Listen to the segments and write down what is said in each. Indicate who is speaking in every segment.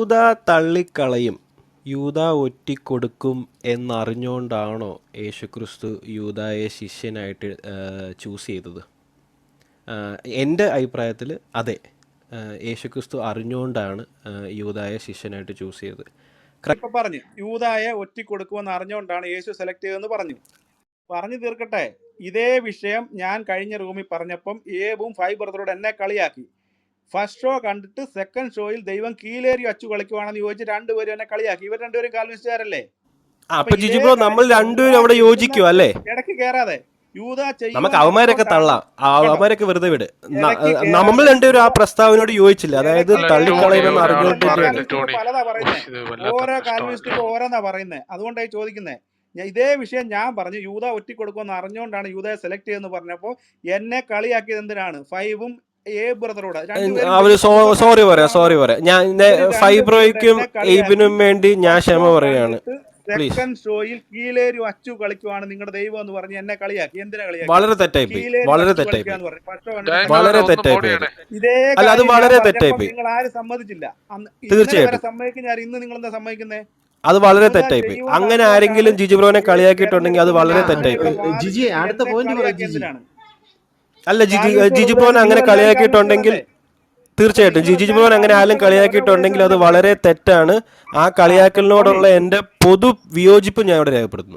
Speaker 1: യൂദാ തള്ളിക്കളയും, യൂദാ ഒറ്റിക്കൊടുക്കും എന്നറിഞ്ഞുകൊണ്ടാണോ യേശുക്രിസ്തു യൂദായെ ശിഷ്യനായിട്ട് ചൂസ് ചെയ്തത്? എൻ്റെ അഭിപ്രായത്തിൽ അതെ, യേശുക്രിസ്തു അറിഞ്ഞുകൊണ്ടാണ് യൂദായെ ശിഷ്യനായിട്ട് ചൂസ് ചെയ്തത്.
Speaker 2: ഇപ്പൊ പറഞ്ഞു യൂദായെ ഒറ്റിക്കൊടുക്കുമെന്ന് അറിഞ്ഞുകൊണ്ടാണ് യേശു സെലക്ട് ചെയ്തതെന്ന് പറഞ്ഞു തീർക്കട്ടെ. ഇതേ വിഷയം ഞാൻ കഴിഞ്ഞ റൂമിൽ പറഞ്ഞപ്പം ഏബും ഫൈബർദറോട് എന്നെ കളിയാക്കി. ഫസ്റ്റ് ഷോ കണ്ടിട്ട് സെക്കൻഡ് ഷോയിൽ ദൈവം കീലേരി അച്ചു കളിക്കുവാണെന്ന് ചോദിച്ച് രണ്ടുപേരും എന്നെ കളിയാക്കി. ഇവർ രണ്ടുപേരും കാൽവിനിസ്റ്റുകാരല്ലേ?
Speaker 1: അപ്പൊ ജിജി ബ്രോ, നമ്മൾ രണ്ടുപേരും അവിടെ യോജിക്കും അല്ലേ?
Speaker 2: ഇടയ്ക്ക് കയറാതെ.
Speaker 1: നമുക്ക് അവന്മാരൊക്കെ തള്ളാം, അവന്മാരൊക്കെ വെറുതെ വിട്. നമ്മൾ രണ്ടുപേരും ആ പ്രസ്താവനയോട് യോജിച്ചില്ല. അതായത് തള്ളിക്കളയുമെന്ന് അറിഞ്ഞുകൊണ്ട്
Speaker 2: പലതാ പറയുന്നത്, ഓരോ കാൽവിനിസ്റ്റും ഓരോന്നാ പറയുന്നത്. അതുകൊണ്ടായി ചോദിക്കുന്നത്. ഇതേ വിഷയം ഞാൻ പറഞ്ഞു യൂദാ ഒറ്റിക്കൊടുക്കുമെന്ന് അറിഞ്ഞുകൊണ്ടാണ് യൂദായെ സെലക്ട് ചെയ്തെന്ന് പറഞ്ഞപ്പോ എന്നെ കളിയാക്കിയത് എന്തിനാണ്? ഫൈവും ബ്രദറോട്
Speaker 1: അവര് സോറി പറയാം. ഞാൻ ഫൈബ്രോയ്ക്കും എയ്ബിനും വേണ്ടി ഞാൻ ക്ഷമ പറയുകയാണ്.
Speaker 2: സെക്കൻഡ് ഷോയിൽ കീലേരി അച്ചു കളിക്കുവാണ് നിങ്ങളുടെ ദൈവം എന്ന് പറഞ്ഞ് എന്നെ കളിയാക്കി. എന്തിനാ കളിയാക്കി?
Speaker 1: വളരെ തെറ്റായി.
Speaker 2: ഇതേ
Speaker 1: അല്ല, അത് വളരെ തെറ്റായി.
Speaker 2: നിങ്ങൾ ആരും സമ്മതിച്ചില്ല.
Speaker 1: തീർച്ചയായിട്ടും
Speaker 2: സമ്മതിക്കുന്ന ഞാൻ ഇന്ന് നിങ്ങൾ എന്താ സമ്മതിക്കുന്നത്?
Speaker 1: അത് വളരെ തെറ്റായി. അങ്ങനെ ആരെങ്കിലും ജിജി ബ്രോനെ കളിയാക്കിയിട്ടുണ്ടെങ്കിൽ അത് വളരെ തെറ്റായി.
Speaker 3: ജിജി അടുത്ത പോയിന്റ്
Speaker 1: അല്ല, ജിജി ബ്രോനെ അങ്ങനെ കളിയാക്കിയിട്ടുണ്ടെങ്കിൽ തീർച്ചയായിട്ടും ജിജി ബ്രോൻ അങ്ങനെ ആരും കളിയാക്കിയിട്ടുണ്ടെങ്കിൽ അത് വളരെ തെറ്റാണ്. ആ കളിയാക്കലിനോടുള്ള എന്റെ പൊതു വിയോജിപ്പ് ഞാൻ ഇവിടെ രേഖപ്പെടുത്തുന്നു.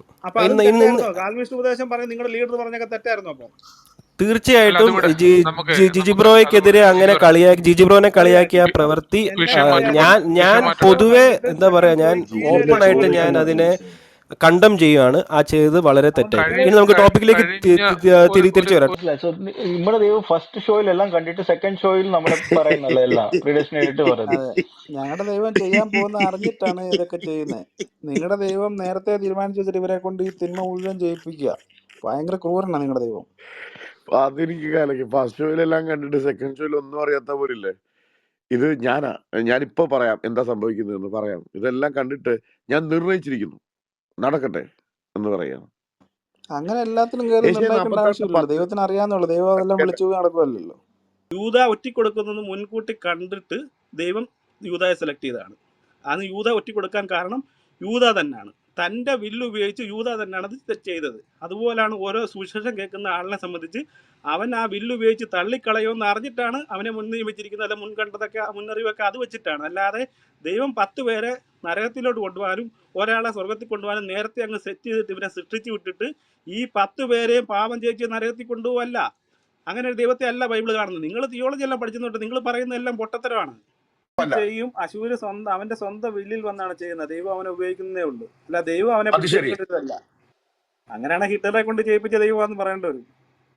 Speaker 1: തീർച്ചയായിട്ടും ജിജി ബ്രോയ്ക്കെതിരെ അങ്ങനെ ജിജി ബ്രോനെ കളിയാക്കിയ പ്രവൃത്തി ഞാൻ പൊതുവെ എന്താ പറയാ, ഞാൻ ഓപ്പൺ ആയിട്ട് ഞാൻ അതിനെ കണ്ടം ചെയ്യുകയാണ്. ആ ചെയ്തത് വളരെ തെറ്റായി. ഇനി നമുക്ക് ടോപ്പിക്കിലേക്ക് തിരിച്ചു വരാം.
Speaker 4: നമ്മുടെ ദൈവം ഫസ്റ്റ് ഷോയിലെല്ലാം കണ്ടിട്ട് സെക്കൻഡ് ഷോയിൽ നമ്മുടെ പറയുന്നല്ലോ എല്ലാം പ്രീഡിസ്റ്റിനേറ്റ് പറയുന്നത്.
Speaker 2: ഞങ്ങളുടെ ദൈവം ചെയ്യാൻ പോകുന്ന അറിഞ്ഞിട്ടാണ് ഇതൊക്കെ ചെയ്യുന്നത്. നിങ്ങളുടെ ദൈവം നേരത്തെ തീരുമാനിച്ചു വെച്ചിട്ട് ഇവരെ കൊണ്ട് ഈ തിന്മ മുഴുവൻ ചെയ്യിപ്പിക്കുക. ഭയങ്കര ക്രൂരനാണ് നിങ്ങളുടെ ദൈവം.
Speaker 5: അതെനിക്ക് കാലക്ക് ഫസ്റ്റ് ഷോയിലെല്ലാം കണ്ടിട്ട് സെക്കൻഡ് ഷോയിൽ ഒന്നും അറിയാത്ത പോലില്ലേ. ഇത് ഞാനിപ്പോ പറയാം എന്താ സംഭവിക്കുന്നതെന്ന് പറയാം. ഇതെല്ലാം കണ്ടിട്ട് ഞാൻ നിർണയിച്ചിരിക്കുന്നു, നടക്കട്ടെ എന്ന് പറയാം.
Speaker 2: അങ്ങനെ എല്ലാത്തിനും ദൈവത്തിന് അറിയാന്നുള്ളൂ. ദൈവം അതെല്ലാം വിളിച്ചു നടക്കുമല്ലോ. യൂദാ ഒറ്റിക്കൊടുക്കുന്നത് മുൻകൂട്ടി കണ്ടിട്ട് ദൈവം യൂദായെ സെലക്ട് ചെയ്തതാണ്. അന്ന് യൂദാ ഒറ്റിക്കൊടുക്കാൻ കാരണം യൂദാ തന്നെയാണ്. തൻ്റെ വില്ല് ഉപയോഗിച്ച് യൂദാ തന്നെയാണ് അത് ചെയ്തത്. അതുപോലാണ് ഓരോ സുവിശേഷം കേൾക്കുന്ന ആളിനെ സംബന്ധിച്ച് അവൻ ആ വില്ല് ഉപയോഗിച്ച് തള്ളിക്കളയുമെന്ന് അറിഞ്ഞിട്ടാണ് അവനെ മുൻനിയമിച്ചിരിക്കുന്നത്. അല്ല, മുൻകണ്ടതൊക്കെ മുന്നറിവൊക്കെ അത് വെച്ചിട്ടാണ്. അല്ലാതെ ദൈവം 10 പേരെ നരകത്തിലോട്ട് കൊണ്ടുപോകാനും ഒരാളെ സ്വർഗത്തിൽ കൊണ്ടുപോകാനും നേരത്തെ അങ്ങ് സെറ്റ് ചെയ്തിട്ട് ഇവരെ സൃഷ്ടിച്ചു വിട്ടിട്ട് ഈ 10 പേരെയും പാപം ചെയ്യിച്ച് നരകത്തിൽ കൊണ്ടുപോകല്ല. അങ്ങനെ ഒരു ദൈവത്തെ അല്ല ബൈബിൾ കാണുന്നത്. നിങ്ങൾ തിയോളജി എല്ലാം പഠിച്ചിട്ടുണ്ട്. നിങ്ങൾ പറയുന്ന എല്ലാം പൊട്ടത്തരമാണ്. ചെയ്യും അശൂര് അവന്റെ സ്വന്തം വില്ലിൽ വന്നാണ് ചെയ്യുന്നത്. ദൈവം അവനെ ഉപയോഗിക്കുന്നേ ഉള്ളൂ. അല്ല, ദൈവം അവനെ പിടിച്ചല്ല. അങ്ങനെയാണ് ഹിറ്റ്ലറെ കൊണ്ട് ചെയ്യിപ്പിച്ച ദൈവമാണെന്ന് പറയേണ്ടി വരും.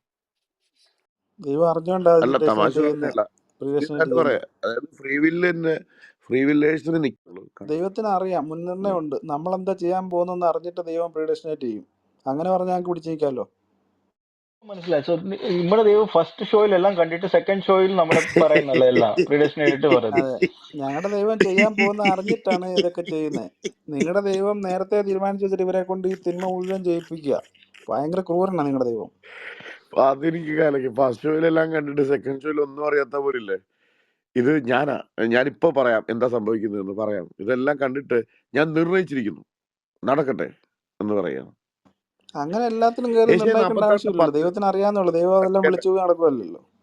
Speaker 2: ദൈവം അറിഞ്ഞോണ്ടാ ദൈവത്തിന് അറിയാം, മുൻനിർണയം ഉണ്ട്. നമ്മളെന്താ ചെയ്യാൻ പോകുന്നെന്ന് അറിഞ്ഞിട്ട് ദൈവം പ്രീഡിസ്റ്റിനേറ്റ് ചെയ്യും. അങ്ങനെ പറഞ്ഞാൽ ഞങ്ങൾക്ക് പിടിച്ചിരിക്കാമല്ലോ.
Speaker 4: മനസ്സിലായി. സോ നമ്മുടെ ദൈവം ഫസ്റ്റ് ഷോയിലെല്ലാം കണ്ടിട്ട് സെക്കൻഡ് ഷോയിൽ നമ്മുടെ പറയുന്നല്ലോ എല്ലാം പ്രീഡിസ്റ്റിനേറ്റ് പറയുന്നത്.
Speaker 2: ഞങ്ങളുടെ ദൈവം ചെയ്യാൻ പോകുന്ന അറിഞ്ഞിട്ടാണ് ഇതൊക്കെ ചെയ്യുന്നത്. നിങ്ങളുടെ ദൈവം നേരത്തെ തീരുമാനിച്ചു വെച്ചിട്ട് ഇവരെ കൊണ്ട് ഈ തിന്മ മുഴുവൻ ചെയ്യിപ്പിക്കുക. ഭയങ്കര ക്രൂരനാണ് നിങ്ങളുടെ ദൈവം.
Speaker 5: അതെനിക്ക് കാലക്ക് ഫസ്റ്റ് ഷോയിലെല്ലാം കണ്ടിട്ട് സെക്കൻഡ് ഷോയിൽ ഒന്നും അറിയാത്ത പോലില്ലേ. ഇത് ഞാനിപ്പോ പറയാം എന്താ സംഭവിക്കുന്നതെന്ന് പറയാം. ഇതെല്ലാം കണ്ടിട്ട് ഞാൻ നിർണയിച്ചിരിക്കുന്നു, നടക്കട്ടെ എന്ന് പറയാം.
Speaker 2: അങ്ങനെ എല്ലാത്തിനും ആവശ്യമില്ല. ദൈവത്തിന് അറിയാന്നുള്ളൂ. ദൈവം അതെല്ലാം വിളിച്ചു നടക്കുമല്ലോ.